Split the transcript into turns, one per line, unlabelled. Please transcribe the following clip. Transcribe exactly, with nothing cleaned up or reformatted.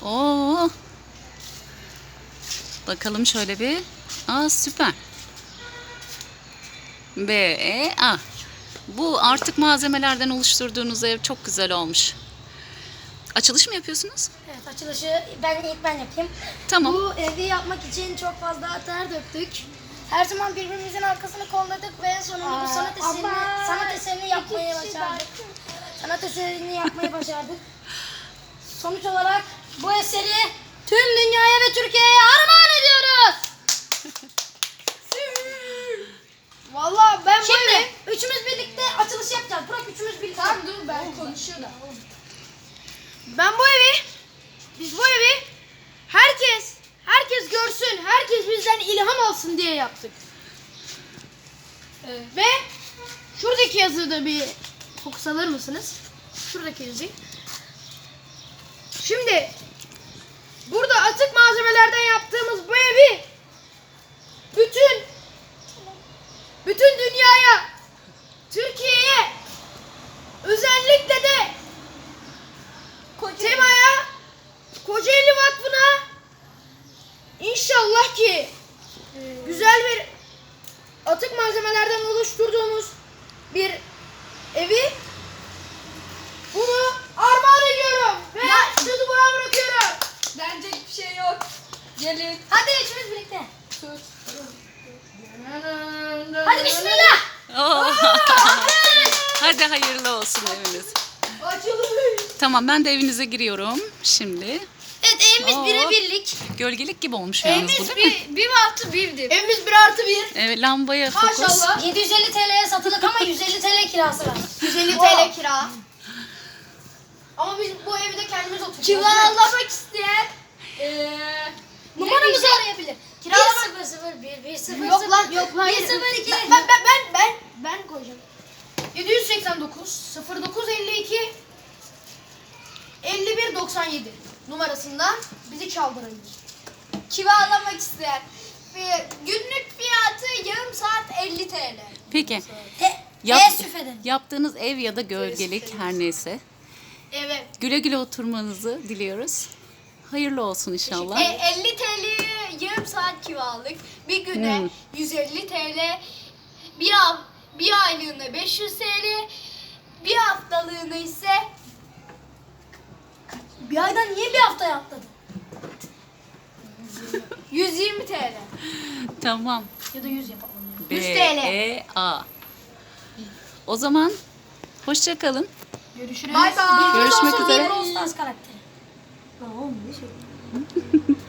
Oo. Bakalım şöyle bir. Aa, süper. B, E, A. Bu artık malzemelerden oluşturduğunuz ev çok güzel olmuş. Açılış mı yapıyorsunuz?
Evet, açılışı ben ilk ben yapayım.
Tamam.
Bu evi yapmak için çok fazla ter döktük. Her zaman birbirimizin arkasını kolladık ve en sonunda bu sanat eserini,
ama
sanat eserini yapmayı
iki kişi
başardık. Sanat eserini yapmayı başardık. Sonuç olarak bu eseri tüm dünyaya ve Türkiye'ye armağan ediyoruz.
Vallahi ben bu
Şimdi
evi...
üçümüz birlikte açılış yapacağız. Bırak üçümüz birlikte.
Tamam dur ben konuşuyorum. Ben bu evi, biz bu evi herkes, herkes görsün, herkes bizden ilham alsın diye yaptık. Ee, ve şuradaki yazıyı da bir fokus alır mısınız? Şuradaki yazıyı. Şimdi burada atık malzemelerden yaptığımız bu evi bütün bütün dünyaya, Türkiye'ye, özellikle de Tema'ya, Kocaeli Vakfı'na inşallah ki güzel bir atık malzemelerden oluşturduğumuz bir evi bunu armağan ediyorum ve sözü buna bırakıyorum.
Denecek bir şey yok. Gelin.
Hadi üçümüz birlikte.
Tut.
Hadi bismillah.
Oo. Hadi hayırlı olsun eviniz.
Açılın.
Tamam, ben de evinize giriyorum şimdi.
Evet, evimiz
Oo.
birebirlik.
Gölgelik gibi olmuş yalnız bu, değil mi?
bir artı birdir.
Evimiz bir artı bir.
Evet, lambaya fokus.
Maşallah.
yedi yüz elli T L'ye satılık ama yüz elli T L kirası var.
yüz elli T L kira. Ama biz bu evde kendimiz oturuyoruz.
Kiralamak isteyen eee
Numaramızı arayabilir. Kiralamak.
bir sıfır sıfır bir bir sıfır
Yok lan yok lan.
bir sıfır iki.
Ben ben ben ben ben koyacağım. yedi yüz seksen dokuz sıfır dokuz elli iki elli bir doksan yedi numarasından bizi çaldırabilir.
Kiralamak isteyen ve günlük fiyatı yarım saat elli T L.
Peki.
Te
Yap-
Teessüf ederim.
yaptığınız ev ya da gölgelik her neyse.
Evet.
Güle güle oturmanızı diliyoruz. Hayırlı olsun inşallah.
E, elli T L yarım saat kiralık. Bir güne
Hmm.
yüz elli T L. Bir, av, bir aylığına beş yüz T L. Bir haftalığına ise
Bir aydan niye bir haftaya atladın?
yüz yirmi T L.
Tamam.
Ya da yüz yapalım.
B,
yüz T L.
E, A. O zaman hoşça kalın.
Görüşürüz.
Bye bye.
Görüşmek
Olsun
üzere.
bir Brawl Stars karakteri. Lan oğlum ne şey?